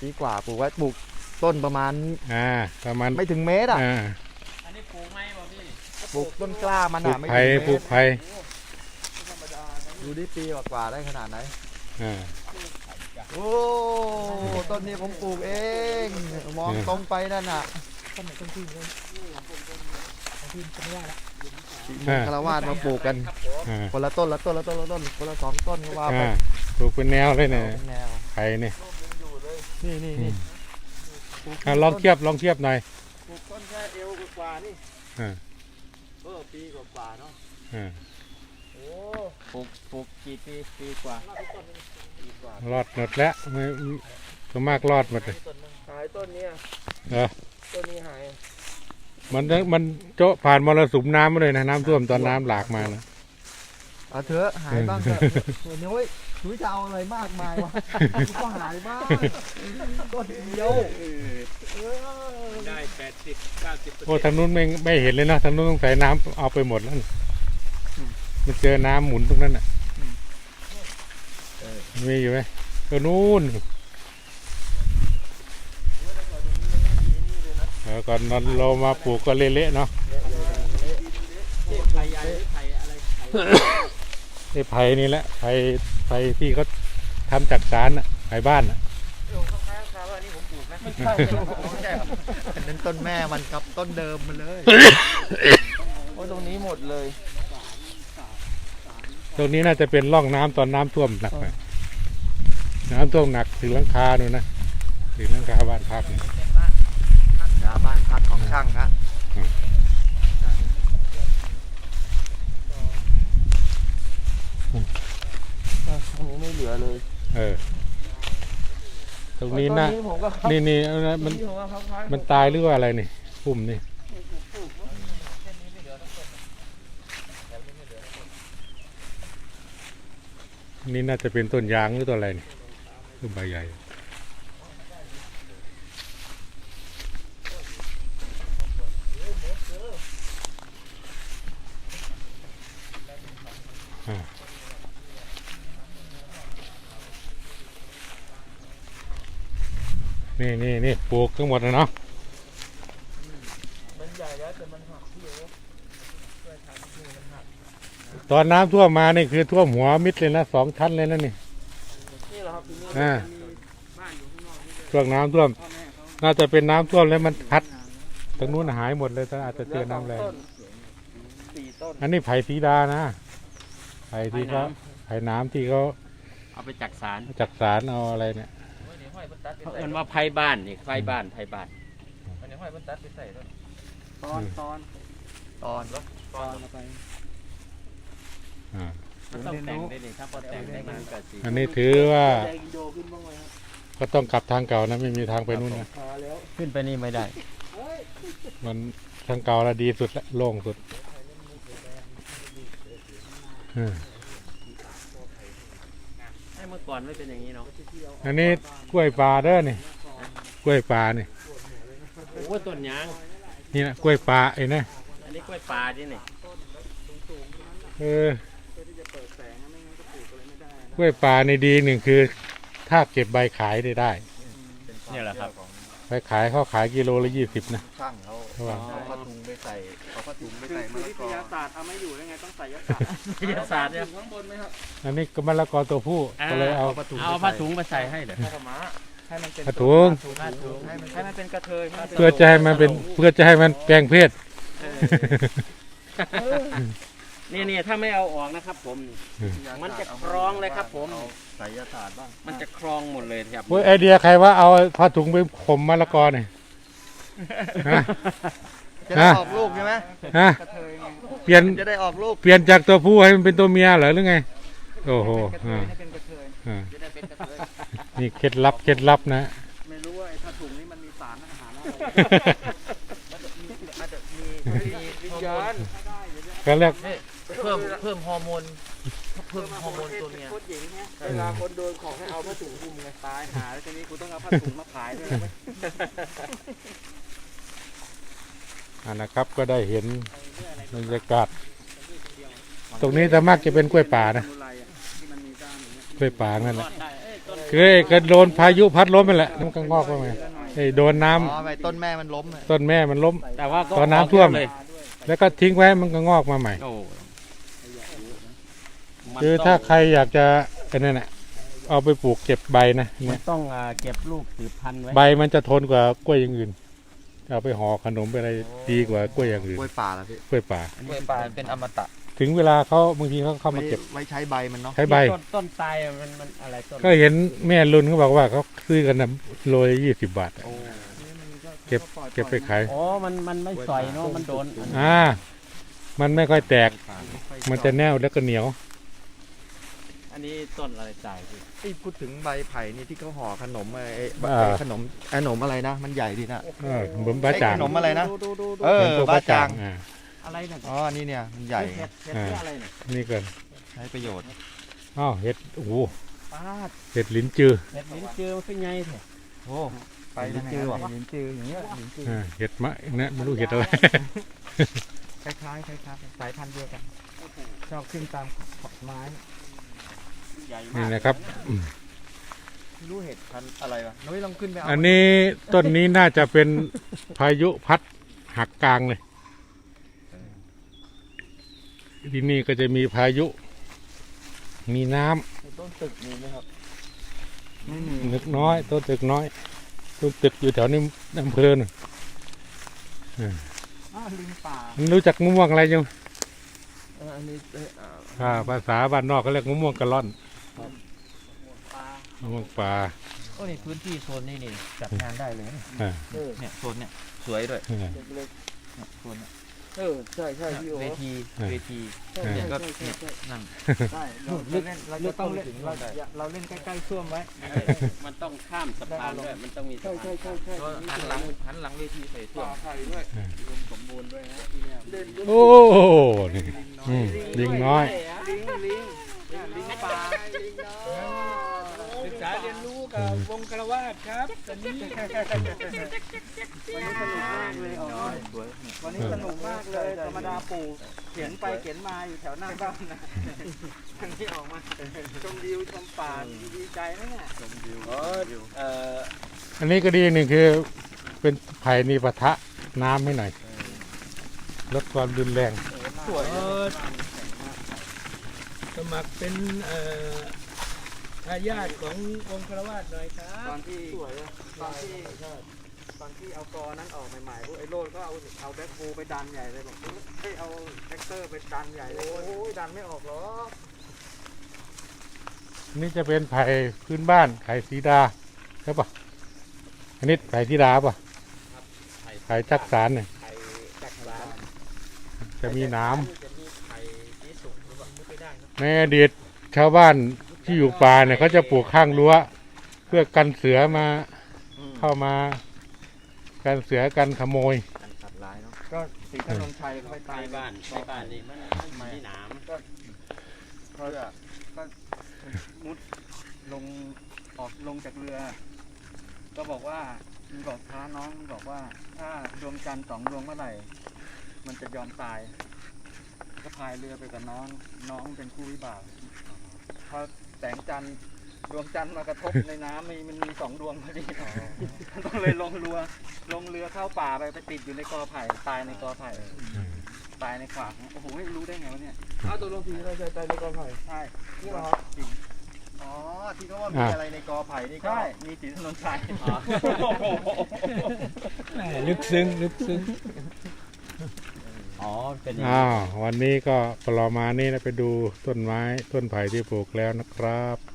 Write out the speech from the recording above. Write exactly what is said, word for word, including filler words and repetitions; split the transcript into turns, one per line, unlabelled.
ปีกว่าปลูกไว้ปลูกต้นประมาณ
อ่าประมาณ
ไม่ถึงเมตรอ่ะ
อันนี้ปลูกไหมบ่พี่
ปลูกต้นกล้ามันอ่ะไม่ถึงเมตร
ปลูกไผ่
ดูดิปีกว่าได้ขนาดไหน
อ่า
โอ้ต้นนี้ผมปลูกเองมองตรงไปนั่นน่ะต้นไหนต้นที่เลยต้นที่จะไม่ได้ละคารวาสมาปลูกกันคนละต้นละต้นละต้นละต้นคนละสองต้นก็ว่าไป
ปลูกเป็นแนวเลยเนี่ยไผ่เนี่ย
นี่นี่นี่
ลองเทียบลองเทียบหน่อย
ปลูกต้นแค่เอวกว่านี่
เอ
อปีกว่าเนาะ
โอ้ปลูกปลูกกี่ปีปีกว่
ารอดหมดแล้วไม่ส่วนมากรอดหมดเลย
หายต้นนี้
เออ
ต้นนี้หาย
มันมันโจ๊ะผ่านมรสุมน้ำมาเลยนะน้ำท่วมตอนน้ำหลากมานะ
เอาเถอะหายบ้างเถอะเดี๋ยวถุยจะเอาอะไรมากมายวะก็หายบ้างต้นเดียว
ได้แปดสิบเก้าสิบ
โอ้ทางนู้นไม่ไม่เห็นเลยนะทางนู้นต้องใส่น้ำเอาไปหมดแล้วมันเจอน้ำหมุนตรงนั้นอ่ะมีอยู่ไหมก็นู่นเออก่อนเรามาปลูกก็เละๆเนาะ
ไผ่ใหญ่ไผ่อะไร
ไอ้ไผ่นี่แหละไผ่ไผ่ที่เขาทำจากสารอ่ะไผ่บ้านอ่ะ
ข้างๆครับอันนี้ผมปลูกนะไม่ใช่ไม่ใช่ครับอันนั้นต้นแม่มันกับต้นเดิมมันเลยโอ้ตรงนี้หมดเลย
ตรงนี้น่าจะเป็นร่องน้ำตอนน้ำท่วมหนักไปน้ำท่วมหนักถึงหลังคาดูนะถึงหลังคาบ้านพัก
บ้านพักของช่างฮะตรงนี้ไม่เหลือเลย
เออตรงนี้นะนี่นี่มันมันตายหรือว่าอะไรนี่พุ่มนี่นี่น่าจะเป็นต้นยางหรือต้นอะไรนี่ต้นใบใหญ่นี่นี่นี่ปลูกทั้งหมดนะเนาะ
มันใหญ่แล้วแต่มันหักที่
ตอนน้ำท่วมมานี่คือท่วมหัวมิดเลยนะสองชั้นเลยนะนี่
นี่เหรอครับ
อ่าช่วงน้ำท่วมน่าจะเป็นน้ำท่วมแล้วมันพัดตรงนู้นหายหมดเลยแต่อาจจะเจอน้ำแรงอันนี้ไผ่สีดานะไผ่ที่เขาไผ่น้ำที่เขา
เอาไปจักสาร
จักสารเอาอะไรเนี่ย
เขาเอิ้นว่าไผ่บ้านนี่ไผ่บ้านไผ่บ้าน
อันนี้ห้อยบรรทัดไปใส่ตอนตอนตอนตอนตอนไป
อ่า
ต้องแต่งได้นี่ครับพอแต่งได้มันก็สิ
อันนี้ถือว่าก็ต้องกลับทางเก่านะไม่มีทางไปนู่นนะ
ขึ้นไปนี่ไม่ได้
มันทางเก่าละดีสุดละโล่งสุด
ให้เมื่อก่อนไม่เป็นอย่างนี้เนาะ
อันนี้กล้วยป่าเด้อนี่กล้วยป่านี่
โอ้ต้นยาง
นี่นะกล้วยป่าไอ้นะ
อันนี้กล้วยป่าดินี่
เออกล้วยป่าในดีหนึ่งคือถ้าเก็บใบขายได้ได้
นี่แหละครับ
ใบขายเขาขายกิโลละยี่สิบนะ
ช่างเขาเอาผ้าถุงไปใส่เอาผ้าถุงไปใส่มะละกอวิทยาศาสตร์ทำไม่อยู่ได้ไงต้องใส่ยาศาสตร์
วิทยาศาสตร์เนี่ย
ข้างบนไหมครับ
อันนี้ก็มะละกอตัวผู้ก็เลยเอา
เอาผ้าถุงมาใส่ให้เดี๋ยว
ให้มันเป็น
ผ้าถุง
ให้มันเป็นกระเทย
เพื่อจะให้มันเป็นเพื่อจะให้มันแปลงเพศ
นี่นี่ถ้าไม่เอาออกนะครับผมมันจะครองเลยครับผม
ใส่ยาศาสตร์บ้าง
มันจะครองหมดเลยครับ
ไอเดียใครว่าเอาผ้าถุงไปข่มมะละกอเนี่ย
จะได้ออกลูกใช่ไหม
ฮะเปลี่ยน
จะได้ออกลูก
เปลี่ยนจากตัวผู้ให้มันเป็นตัวเมียเหรอหรือไงโอ้โหนี่เคล็ดลับเคล็ดลับนะ
ไม่รู้ว่าไอ้ผ้าถุงนี้มันมีสารอาหารอะไรอาจจะมีวิญญาณ
ก็เรียก
เพิ่มเพิ่มฮอร์โมนเพิ่มฮอร์โมนตัวเมีย
เวลาคนโดนของให้เอาผ้าถุงคลุมไงตายหาแล้วทีนี้กูต้องเอาผ้าถุงมาขายด้วย
อันนะครับก็ได้เห็นบรรยากาศตรงนี้แต่มากจะเป็นกล้วยป่านะกล้วยป่านั่นแหละเคยก็โดนพายุพัดล้มไปแหละมันก็งอกเข้ามาไอ้โดนน้ำ
อ๋อไปต้นแม่มันล้มอะ
ต้นแม่มันล้ม
แต่ว่าก็
ตอนน้ำท่วม
เลย
แล้วก็ทิ้งไว้มันก็งอกมาใหม่
โอ้มัน
คือ
ต้อง
ถ้าใครอยากจะไอ้นั่นน่ะเอาไปปลูกเก็บใบนะ
มั
เนี่
น
ย
ต้องอ่าเก็บลูกสืบพันธุ์ไว้
ใบมันจะทนกว่ากล้วยอย่างอื่นเอาไปห่อขนมไปอะไรดีกว่ากล้วยอย่างอื่น
กล้วยป่าละพี่
กล้วยป่า
กล้วยป่าเป็นอมตะ
ถึงเวลาเขาบางทีเขาเข้ามาเก็บ
ไว้ใช้ใบมันเนาะ
ใช้ใบ
ต้นต้นตายอะมันมันอะไรต้น
ก็เห็นแม่รุ่นเขาบอกว่าเขาซื้อกันนะโลละยี่สิบบาทอะ
โอ้
เก็บเก็บไปขาย
อ๋อมันมันไม่สอยเนาะมันโดนอัน
อ่า มันไม่ค่อยแตก มันจะแน่วแล้วก็เหนียว
อันนี้ต้นอะไรตายพี่
ไอ้พูดถึงใบไผ่นี่ที่เขาห่อขนมไอ้ไอ้
อ่า
ไอ้ขนมขนมอะไรนะ มันใหญ่ดีนะ
เออเหมือนบ้าจ่าง
ขนมอะไรนะ
ดูดูดูดู
เออ
เหมือนพวก
บ้าจาง
อ่า
อะไรเนี่ย
อ๋อนี่เนี่ยมันใหญ่
เห็ดเห็ด
อ่า
เพื่ออะไรเนี่ย
นี่ก่อน
ใช้ประโยชน์
อ้าวเห็ดโอ้โห
ปาด
เห็ดลิ้นจือ
เห็ดลิ้นจือมันเป็นไงเถอะ
โอ้ไปลิ้นจือว่ะ
ลิ้นจืออย่างเงี้ยลิ้นจือ
อ่าเห็ดมะนะไม่รู้เห็ดอะไร
คล้ายๆคล้ายๆสายพันธุ์เดียวกันชอบขึ้นตามขอบไม้ใหญ่มาก
นี่นะครับอืม
ไม่รู้เห็ดพันธุ์อะไรวะนุ้ยลองขึ้นไปเอา
อันนี้ต้นนี้น่าจะเป็นพายุพัดหักกลางเลย ที่นี่ก็จะมีพายุ มีน้ำ
ต้นตึกมีไหมครับไม่มี
นึกน้อยต้นตึกน้อยต้นตึกอยู่แถวนี้อำเภอน่ะ
อ้าวลิงป่า
มันรู้จักมะม่วงอะไรยัง
เอออันนี้เอ้ยอ่า
อ่าภาษาบ้านนอกเขาเรียกมะม่วงกะล่อน
ป่าม
ะม่วงป่า
โอ้นี่พื้นที่โซนนี่นี่จัดงานได้เลยนะ
อ่า
เนี่ยโซนเนี่ยสวยด้วย
อ่า
เนี่ยโซนเนี่ย
เออใช่ใช่พี่โอ
เวที
อ่า
เวที
อ่า
เนี่ยก็เนี่ยนั่น
ใช่เราเล่นเราจะต้องเล่นเราเราเล่นใกล้ๆซ่วมไว้มันต้องข้ามสะพานด้วยมันต้องมีใช่ใช่ใช่ใช่
ก็หันหลังหันหลังเวทีใส่ส้วม
ไทยด้วยรวมสมบูรณ์ด้วยนะที่เนี่ยเล่น
โอ้นี่อืมลิงน้อย
ลิงลิงลิงป่าลิงน้อยศึกษาเรียนรู้กับวงกระวาดครับตอนนี้วันนี้สนุกมากเลยอ๋อ
สวยเนี่ย
วันนี้สนุกมากเลยธรรมดาปู่เขียนไปเขียนมาอยู่แถวหน้าบ้านนะวันนี้ออกมาชมวิวชมป่าดีใจนะเนี่ย
ชมวิว
เออเอ่อ
อันนี้ก็ดีหนึ่งคือเป็นไผ่นี่ปะทะน้ำให้หน่อยลดความรุนแรง
สวย
เออสมัครเป็นเอ่อทายาทขององค์คารวาสหน่อยครั
ตอบ นที่ตอนที่ตอนที่เอากอนั้นออกใหม่ๆพวกไอ้โรดก็เอาเอาแบ็คโฮไปดันใหญ่เลยบอกเฮ้ยเอาแท็กเตอร์ไปดันใหญ่เลยโอ้ยดันไม่ออกหรอก
นี่จะเป็นไผ่พื้นบ้านไผ่สีดาใช่ปะอันนี้ไผ่สีดาปะไผ่จักสารเนี่ย
ไข่จักราน
จะมีหน้
จะมีไข่สีสุกหรือเปล่าไม่ได้ครับ
ำในอดีตชาวบ้านที่อยู่ป่าเนี่ยเขาจะปลูกข้างรั้ว เพื่อกันเสือมาเข้ามากันเสือกันขโมย
กันสัตว์ร้ายเนาะ
ก็สีถนนชัยไปตา
ใน
ย
บ้านในบ้านนี่มันมันมีหนาม
เขาจะก็มุดลงออกลงจากเรือ ก็บอกว่ามันบอกท้าน้องมันบอกว่า ถ้าดวงจันทร์สองดวงเมื่อไหร่ มันจะยอมตาย ก็พายเรือไปกับน้องน้องเป็นคู่วิบากพอแสงจันทร์ดวงจันทร์มากระทบในน้ำมีมันมีสองดวงพอดีต้องเลยลงเรือลงเรือเข้าป่าไปไปติดอยู่ในกอไผ่ตายในกอไผ่ตายในขวากโอ้โหรู้ได้ไงวะเนี่ย
เอาตัวลงทีเราจะใจในกองไผ่
ใช่
นี่เหรอ
จริง
อ๋อที่เขาว่ามีอะไรในกอไผ่นี่ก็
ใช่มีสีถนนชัย
ลึกซึ้งลึกซึ้ง
อ๋อเป็นอย่างนี้
อ้าววันนี้ก็ปลอมานี่นะไปดูต้นไม้ต้นไผ่ที่ปลูกแล้วนะครับ